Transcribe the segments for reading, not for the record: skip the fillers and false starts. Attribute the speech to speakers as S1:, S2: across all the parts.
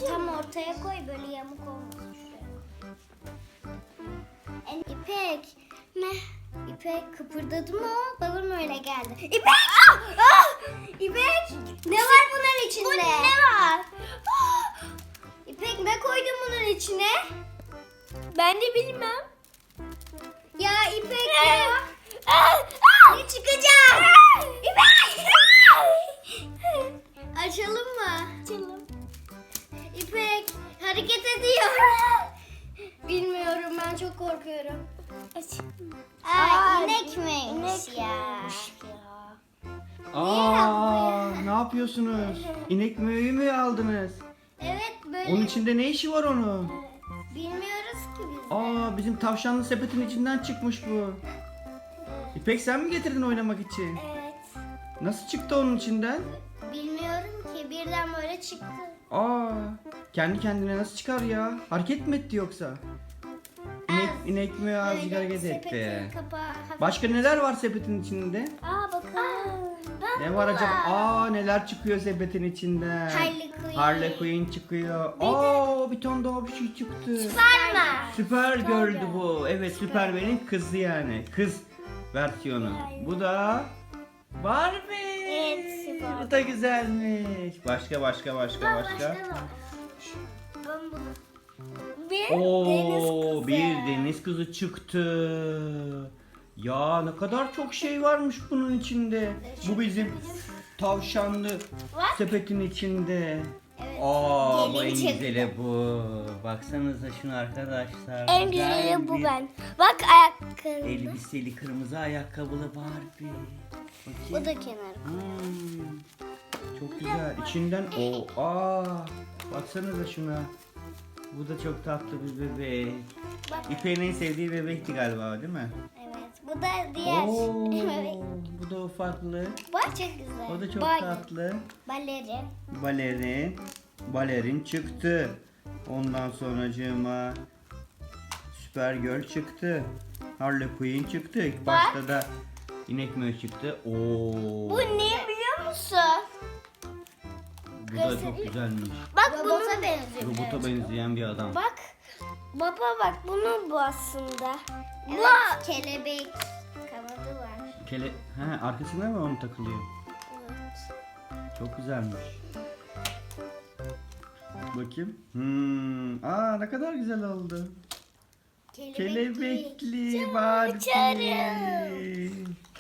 S1: tam ortaya koy, böyle yamuk olmasın şuraya. İpek. Ne? İpek kıpırdadı mı o? Bana mı öyle geldi? İpek! İpek! Ne var bunun içinde? Bu ne var? İpek ne koydun bunun içine?
S2: Ben de bilmem.
S1: Ya İpek ya. Ne çıkacak? İpek! Açalım mı?
S2: Açalım.
S1: İpek hareket ediyor. Bilmiyorum, ben çok korkuyorum. İnek miymiş ya?
S3: Ne yapıyorsunuz? İnek möğü mü aldınız?
S1: Evet, böyle
S3: Onun içinde ne işi var onun?
S1: bilmiyoruz ki biz.
S3: Bizim tavşanlı sepetin içinden çıkmış bu. İpek sen mi getirdin oynamak için?
S1: Evet.
S3: Nasıl çıktı onun içinden?
S1: Bilmiyorum ki, birden böyle çıktı.
S3: Kendi kendine nasıl çıkar ya? Hareket mi etti yoksa? İnek mi azıcık
S1: Böyle
S3: hareket
S1: sepetin
S3: etti?
S1: kapağı hafif-
S3: Başka neler var sepetin içinde?
S1: Bakalım.
S3: Ne var acaba? Neler çıkıyor sepetin içinden?
S1: Harley Quinn.
S3: Harley Quinn çıkıyor. Bir tane daha bir şey çıktı.
S1: Süperman.
S3: Süpergirl'dü bu. Evet, Süpermen'in kızı yani. Kız versiyonu. Bu da Barbie.
S1: Evet, süper.
S3: Bu da güzelmiş. Başka.
S1: Ben başka da var. Ben bunu.
S3: Bir deniz kızı çıktı. Ya ne kadar çok şey varmış bunun içinde. Bu bizim tavşanlı sepetin içinde.
S1: Evet.
S3: Bu en
S1: Gelin çıktı.
S3: güzeli bu. Baksanıza şunu arkadaşlar.
S2: En
S3: Güzel
S2: güzeli bu
S3: bir
S2: ben. Bak ayakkabı.
S3: Elbiseli kırmızı ayakkabılı Barbie.
S1: Bu
S3: Bakayım.
S1: da kenarı.
S3: Çok güzel. İçinden baksanıza şuna. Bu da çok tatlı bir bebek.
S1: Bak.
S3: İpek'in en sevdiği bebekti galiba, değil mi?
S1: Evet. Bu da diğer. Evet.
S3: Bu da ufaklı.
S1: Bak çok güzel.
S3: O da çok
S1: Bal-
S3: tatlı.
S1: Balerin.
S3: Balerin çıktı. Ondan sonracığıma Supergirl çıktı. Harley Quinn çıktı. İlk başta da İnek Möğü çıktı.
S1: Bu ne biliyor musun?
S3: Bu da çok güzelmiş.
S2: Bak
S1: Robota benziyor.
S3: Robota benzeyen bir adam.
S2: Bak. Baba bak bunun bu aslında.
S1: Evet, kelebek kanadı var.
S3: Arkasına mı onu takılıyor?
S1: Evet.
S3: Çok güzelmiş. Bakayım. Ne kadar güzel oldu. Kelebekli Barbie.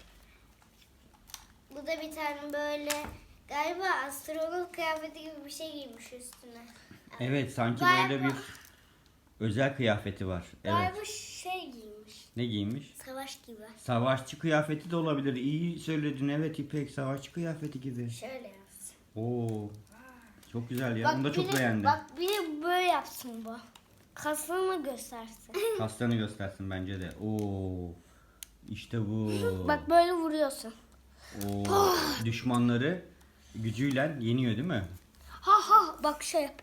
S1: Bu da bir tane böyle galiba astronot kıyafeti gibi bir şey giymiş üstüne.
S3: Evet, sanki
S1: Galiba-
S3: böyle bir özel kıyafeti var. Evet.
S1: Galiba şey giymiş.
S3: Ne giymiş?
S1: Savaş gibi.
S3: Savaşçı kıyafeti de olabilir. İyi söyledin. Evet İpek, savaşçı kıyafeti gibi.
S1: Şöyle yapsın.
S3: Çok güzel ya. Bunu da çok beğendim.
S2: Bak bir de böyle yapsın bu. Kasını göstersin.
S3: Kaslarını göstersin bence de. İşte bu.
S2: Bak böyle vuruyorsun.
S3: Düşmanları gücüyle yeniyor değil mi?
S2: Bak şey yap.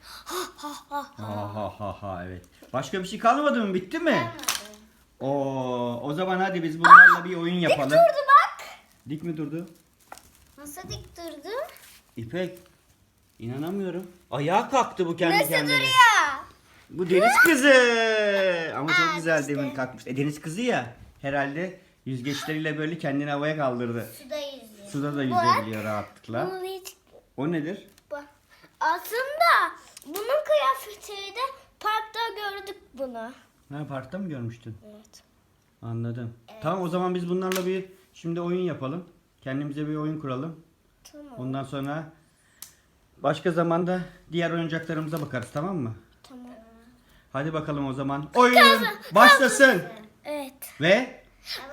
S3: Evet. Başka bir şey kalmadı mı? Bitti mi? O zaman hadi biz bunlarla bir oyun yapalım.
S1: Durdu bak.
S3: Dik mi durdu?
S1: Nasıl dik durdu?
S3: İpek, inanamıyorum. Ayağa kalktı bu kendi kendine.
S1: Ya.
S3: Bu deniz kızı. Ama çok güzel demin kalkmış. Deniz kızı ya. Herhalde yüzgeçleriyle böyle kendini havaya kaldırdı.
S1: Suda yüzüyor.
S3: Suda da yüzebiliyor rahatlıkla.
S2: Bunu hiç...
S3: O nedir?
S2: Bak. Aslında bunun kıyafetiydi. Parkta gördük bunu.
S3: Parkta mı görmüştün?
S2: Evet.
S3: Anladım. Tamam, o zaman biz bunlarla şimdi oyun yapalım. Kendimize bir oyun kuralım.
S2: Tamam.
S3: Ondan sonra başka zamanda diğer oyuncaklarımıza bakarız, tamam mı?
S2: Tamam.
S3: Hadi bakalım o zaman. Oyun başlasın.
S2: Evet.
S3: Ve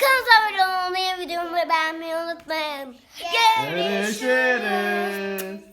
S2: Kanalımıza abone olmayı, videomu beğenmeyi unutmayın. Görüşürüz.
S3: görüşürüz.